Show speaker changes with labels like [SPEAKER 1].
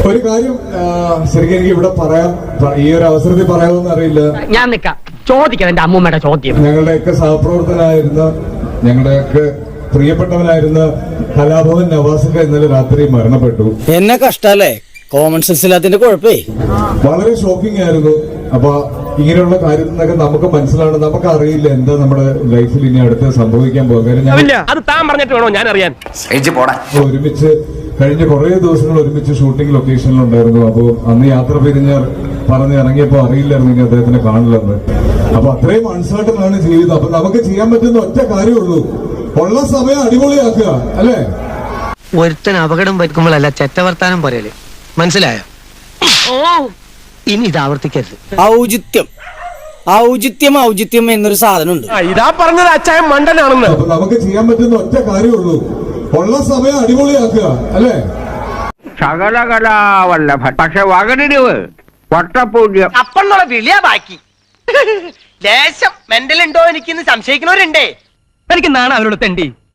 [SPEAKER 1] ഒരു കാര്യം ശരിക്കും എനിക്ക് ഇവിടെ പറയാം, ഈ ഒരു അവസരത്തിൽ പറയാമെന്ന് അറിയില്ല.
[SPEAKER 2] ഞാൻ നിക്കാം ചോദിക്കാം എന്റെ അമ്മൂമ്മയുടെ ചോദ്യം.
[SPEAKER 1] ഞങ്ങളുടെയൊക്കെ സഹപ്രവർത്തനായിരുന്ന, ഞങ്ങളുടെയൊക്കെ പ്രിയപ്പെട്ടവനായിരുന്ന കലാഭവൻ നവാസിക്ക ഇന്നലെ രാത്രി മരണപ്പെട്ടു.
[SPEAKER 3] എന്നെ കഷ്ടല്ലേ, കോമൺ സെൻസ് ഇല്ലാത്തതിന്റെ കുഴപ്പേ.
[SPEAKER 1] വളരെ ഷോക്കിംഗ് ആയിരുന്നു. അപ്പൊ ഇങ്ങനെയുള്ള കാര്യത്തിനൊക്കെ നമുക്ക് മനസ്സിലാണ്, നമുക്ക് അറിയില്ല എന്താ നമ്മുടെ ലൈഫിൽ ഇനി അടുത്ത് സംഭവിക്കാൻ പോകുക.
[SPEAKER 2] അത് താൻ പറഞ്ഞിട്ട് വേണോ ഞാൻ അറിയാൻ.
[SPEAKER 1] ഒരുമിച്ച് കഴിഞ്ഞ കുറെ ദിവസങ്ങൾ ഒരുമിച്ച് ഷൂട്ടിംഗ് ലൊക്കേഷനിലുണ്ടായിരുന്നു. അപ്പൊ അന്ന് യാത്ര പിരിഞ്ഞ് പറഞ്ഞിറങ്ങിയപ്പോ അറിയില്ലായിരുന്നു ഇനി അദ്ദേഹത്തിനെ കാണില്ലെന്ന്. അപ്പൊ അത്രയും അൺസർട്ടൺ ആണ് ജീവിതം. അപ്പൊ നമുക്ക് ചെയ്യാൻ പറ്റുന്ന ഒറ്റ കാര്യമുള്ളൂ, ഉള്ള സമയം അടിപൊളിയാക്കുക, അല്ലേ?
[SPEAKER 4] ഒരുത്തൻ അപകടം പറ്റുമ്പോഴല്ല ചെറ്റവർത്താനം പോരല്ലേ, മനസ്സിലായോ? ഓ ഇനി ഇത് ആവർത്തിക്കരുത്.
[SPEAKER 3] ഔചിത്യം ഔചിത്യം ഔചിത്യം എന്നൊരു സാധനമുണ്ട്.
[SPEAKER 2] ഇതാ പറഞ്ഞത് അച്ചായൻ മണ്ടനാണെന്ന്.
[SPEAKER 1] അപ്പൊ നമുക്ക് ചെയ്യാൻ പറ്റുന്ന ഒറ്റ കാര്യമുള്ളൂ, ഉള്ള സമയം അടിപൊളിയാക്കുക, അല്ലേ?
[SPEAKER 5] സകലകലാവല്ലഭൻ, പക്ഷെ വകനിടിവ് വട്ടപൂജ്യം
[SPEAKER 2] അപ്പന്നുള്ള വിളിയാ ബാക്കി. ലേശം മെന്റൽ ഉണ്ടോ എനിക്കിന്ന് സംശയിക്കുന്നവരുണ്ടേ. എനിക്ക് നാണ അവരോട് തെണ്ടി.